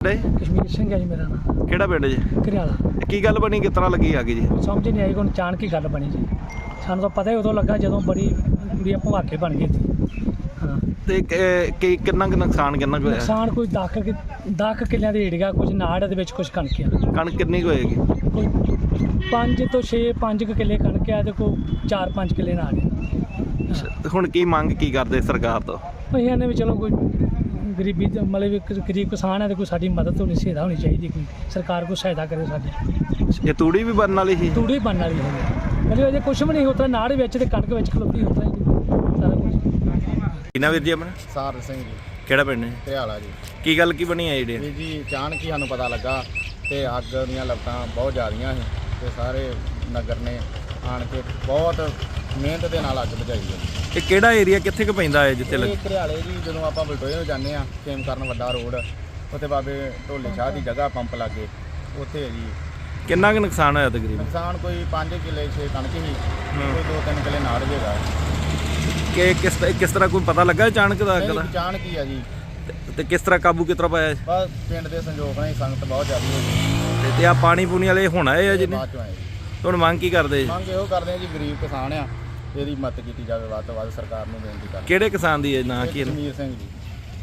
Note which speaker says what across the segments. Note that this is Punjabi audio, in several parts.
Speaker 1: कश्मीर सिंह है जी मेरा नाम।
Speaker 2: ਕਿਹੜਾ ਪਿੰਡ ਜੀ?
Speaker 1: घरियाला।
Speaker 2: ਕੀ ਗੱਲ ਬਣੀ, ਕਿਸ ਤਰ੍ਹਾਂ ਲੱਗੀ ਅੱਗ ਜੀ?
Speaker 1: समझ नहीं आई, कोई अचानक ही गल बनी जी। सानू तो पता ही उदों लगा जदों बड़ी गुड़िया भवाके बन गई थी। हाँ
Speaker 2: ਤੇ ਕਿੰਨਾ ਕੁ ਨੁਕਸਾਨ ਕਿੰਨਾ ਕੁ ਹੋਇਆ?
Speaker 1: नुकसान कोई 10 किल्लियां दी ਏੜੀਆ, कुछ नाड़ दे विच कुछ कणक आ,
Speaker 2: ਕਣਕ ਕਿੰਨੀ ਕੁ ਹੋਏਗੀ?
Speaker 1: कोई 5 ਤੋਂ 5 किल्ले कणक आ ते कोई 4-5 किल्ले नाड़ आ।
Speaker 2: ਤੇ ਹੁਣ ਕੀ ਮੰਗ ਕੀ ਕਰਦੇ ਸਰਕਾਰ ਤੋਂ?
Speaker 1: ਅਸੀਂ ਇਹਨੇ ਵੀ ਚਲੋ ਕੋਈ ਗਰੀਬੀ ਦਾ ਮਤਲਬ ਇੱਕ ਗਰੀਬ ਕਿਸਾਨ ਹੈ ਤੇ ਕੋਈ ਸਾਡੀ ਮਦਦ ਹੋਣੀ, ਸਹਾਇਤਾ ਹੋਣੀ ਚਾਹੀਦੀ, ਕੋਈ ਸਰਕਾਰ ਕੋਈ ਸਹਾਇਤਾ ਕਰੇ ਸਾਡੀ।
Speaker 2: ਇਹ ਤੂੜੀ ਵੀ ਬਣਨ ਵਾਲੀ ਸੀ?
Speaker 1: ਤੂੜੀ ਬਣਨ ਵਾਲੀ ਹੈ ਮਤਲਬ ਅਜੇ ਕੁਛ ਵੀ ਨਹੀਂ ਹੁੰਦਾ, ਨਾੜ ਵਿੱਚ ਤੇ ਕਣਕ ਵਿੱਚ ਖਲੋਤੀ ਹੁੰਦਾ ਸਾਰਾ ਕੁਝ।
Speaker 2: ਕਿਨਾ ਵੀਰ ਜੀ ਆਪਣਾ?
Speaker 3: ਸਾਰ ਸਿੰਘ ਜੀ,
Speaker 2: ਕਿਹੜਾ ਪਿੰਡ ਹੈ?
Speaker 3: ਘਰਿਆਲਾ ਜੀ।
Speaker 2: ਕੀ ਗੱਲ ਕੀ ਬਣੀ ਹੈ ਜਿਹੜੀ?
Speaker 3: ਵੀਰ ਜੀ ਅਚਾਨਕ ਹੀ ਸਾਨੂੰ ਪਤਾ ਲੱਗਾ ਤੇ ਅੱਗ ਦੀਆਂ ਲਪਟਾਂ ਬਹੁਤ ਜ਼ਿਆਦੀਆਂ ਸੀ ਤੇ ਸਾਰੇ ਨਗਰ ਨੇ ਆਣ ਕੇ ਬਹੁਤ ਮਿਹਨਤ ਦੇ ਨਾਲ ਅੱਗ ਬੁਝਾਈ ਹੈ।
Speaker 2: ਇਹ ਕਿਹੜਾ ਏਰੀਆ ਕਿੱਥੇ ਕੁ ਪੈਂਦਾ ਹੈ ਜਿੱਥੇ
Speaker 3: ਇਹ ਘਰਿਆਲੇ ਜੀ, ਜਦੋਂ ਆਪਾਂ ਬਲਟੋਏ ਨੂੰ ਜਾਂਦੇ ਆ ਖੇਮ ਕਰਨ ਵੱਡਾ ਰੋਡ, ਉੱਥੇ ਬਾਬੇ ਢੋਲੇ ਸ਼ਾਹ ਦੀ ਜਗ੍ਹਾ ਪੰਪ ਲਾਗੇ ਉੱਥੇ ਹੈ ਜੀ।
Speaker 2: ਕਿੰਨਾ ਕੁ ਨੁਕਸਾਨ ਹੋਇਆ ਤਕਰੀਬਨ?
Speaker 3: ਨੁਕਸਾਨ ਕੋਈ 5 ਕਿੱਲੇ 6 ਕਣਕ ਸੀ, ਕੋਈ 2-3 ਕਿੱਲੇ ਨਾੜ ਜੇਗਾ।
Speaker 2: ਕਿ ਕਿਸ ਤਰ੍ਹਾਂ ਕੋਈ ਪਤਾ ਲੱਗਾ ਅਚਾਨਕ ਦਾ ਅੱਗ ਦਾ?
Speaker 3: ਅਚਾਨਕ ਹੀ ਆ ਜੀ।
Speaker 2: ਤੇ ਕਿਸ ਤਰ੍ਹਾਂ ਕਾਬੂ ਕਿਸ ਤਰ੍ਹਾਂ ਪਾਇਆ?
Speaker 3: ਬਸ ਪਿੰਡ ਦੇ ਸੰਯੋਗ ਨਾਲ ਹੀ ਸੰਗਤ ਬਹੁਤ ਜ਼ਿਆਦਾ ਹੋ ਗਈ
Speaker 2: ਤੇ ਆ ਪਾਣੀ ਪੂਣੀ ਵਾਲੇ ਹੁਣ ਆਏ ਆ ਜਿਹਨੇ?
Speaker 3: ਬਾਅਦ ਚੋਂ ਆਏ ਜੀ।
Speaker 2: ਹੁਣ ਮੰਗ ਕੀ ਕਰਦੇ?
Speaker 3: ਮੰਗ ਇਹੋ ਕਰਦੇ ਆ ਜੀ, ਗਰੀਬ ਕਿਸਾਨ ਆ, ਇਹਦੀ ਮਦਦ ਕੀਤੀ ਜਾਵੇ ਵੱਧ ਤੋਂ ਵੱਧ, ਸਰਕਾਰ ਨੂੰ ਬੇਨਤੀ ਕਰਦੇ।
Speaker 2: ਕਿਹੜੇ ਕਿਸਾਨ ਦੀ ਹੈ ਨਾਂ ਕੀ?
Speaker 3: ਕਸ਼ਮੀਰ ਸਿੰਘ ਜੀ।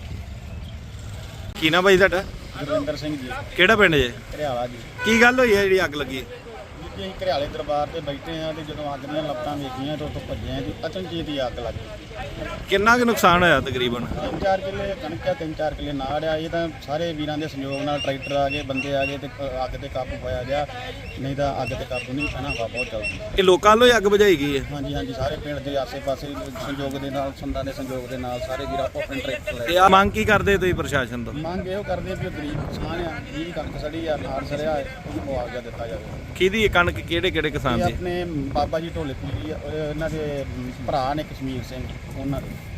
Speaker 2: ਕੀ ਨਾ ਬਾਈ ਤੁਹਾਡਾ?
Speaker 3: ਗੁਰਵਿੰਦਰ ਸਿੰਘ ਜੀ,
Speaker 2: ਕਿਹੜਾ ਪਿੰਡ ਜੇ?
Speaker 3: ਘਰਿਆਲਾ ਜੀ।
Speaker 2: ਕੀ ਗੱਲ ਹੋਈ ਹੈ ਜਿਹੜੀ ਅੱਗ ਲੱਗੀ?
Speaker 3: ਜੀ ਅਸੀਂ ਘਰਿਆਲੇ ਦਰਬਾਰ ਤੇ ਬੈਠੇ ਆ ਤੇ ਜਦੋਂ ਅੱਗ ਦੀਆਂ ਲਪਟਾਂ ਵੇਖੀਆਂ ਤੇ ਉੱਥੋਂ ਭੱਜੇ ਆ ਜੀ, ਅਚਨਚੇਤ ਹੀ ਅੱਗ ਲੱਗ ਗਈ।
Speaker 2: ਕਿੰਨਾ ਕੁ ਨੁਕਸਾਨ ਹੋਇਆ ਤਕਰੀਬਨ?
Speaker 3: 3-4 ਕਿੱਲੇ ਕਣਕ ਆ, 3-4 ਕਿੱਲੇ ਨਾੜ ਆ। ਇਹ ਤਾਂ ਸਾਰੇ ਵੀਰਾਂ ਦੇ ਸੰਯੋਗ ਨਾਲ ਟਰੈਕਟਰ ਆ ਗਏ, ਬੰਦੇ ਆ ਗਏ ਤੇ ਅੱਗ ਤੇ ਕਾਬੂ ਪਾਇਆ ਗਿਆ, ਨਹੀਂ ਤਾਂ ਅੱਗ ਤੇ ਕਾਬੂ ਨਹੀਂ ਪੈਣਾ। ਹਵਾ ਬਹੁਤ ਚੱਲਦੀ।
Speaker 2: ਇਹ ਲੋਕਾਂ ਵੱਲੋਂ ਹੀ ਅੱਗ ਬੁਝਾਈ ਗਈ ਹੈ?
Speaker 3: ਹਾਂਜੀ ਹਾਂਜੀ, ਸਾਰੇ ਪਿੰਡ ਦੇ ਆਸੇ-ਪਾਸੇ ਸੰਯੋਗ ਦੇ ਨਾਲ, ਸੰਦਾਂ ਦੇ ਸੰਯੋਗ ਦੇ ਨਾਲ ਸਾਰੇ ਵੀਰ ਆਪੋ ਆਪਣੇ ਟਰੈਕਟਰ
Speaker 2: ਤੇ
Speaker 3: ਲੈ।
Speaker 2: ਆ ਮੰਗ ਕੀ ਕਰਦੇ ਤੁਸੀਂ ਪ੍ਰਸ਼ਾਸਨ ਤੋਂ?
Speaker 3: ਮੰਗ ਇਹੋ ਕਰਦੇ ਵੀ ਗਰੀਬ ਕਿਸਾਨ ਆ, ਜਿਹਦੀ ਕਣਕ ਸੜੀ ਆ, ਨਾੜ ਸੜਿਆ ਹੈ, ਉਹਨੂੰ ਮੁਆਵਜ਼ਾ ਦਿੱਤਾ ਜਾਵੇ।
Speaker 2: ਕਿਹਦੀ ਇਹ ਕਣਕ ਕਿਹੜੇ ਕਿਹੜੇ ਕਿਸਾਨ
Speaker 3: ਇਹ
Speaker 2: ਦੀ?
Speaker 3: ਆਪਣੇ ਬਾਬਾ ਜੀ ਢੋਲੇ ਪੀਰੀ ਆ, ਇਹਨਾਂ ਦੇ ਭਰਾ ਨੇ ਕਸ਼ਮੀਰ ਸਿੰਘ, ਉਹਨਾਂ ਦੇ।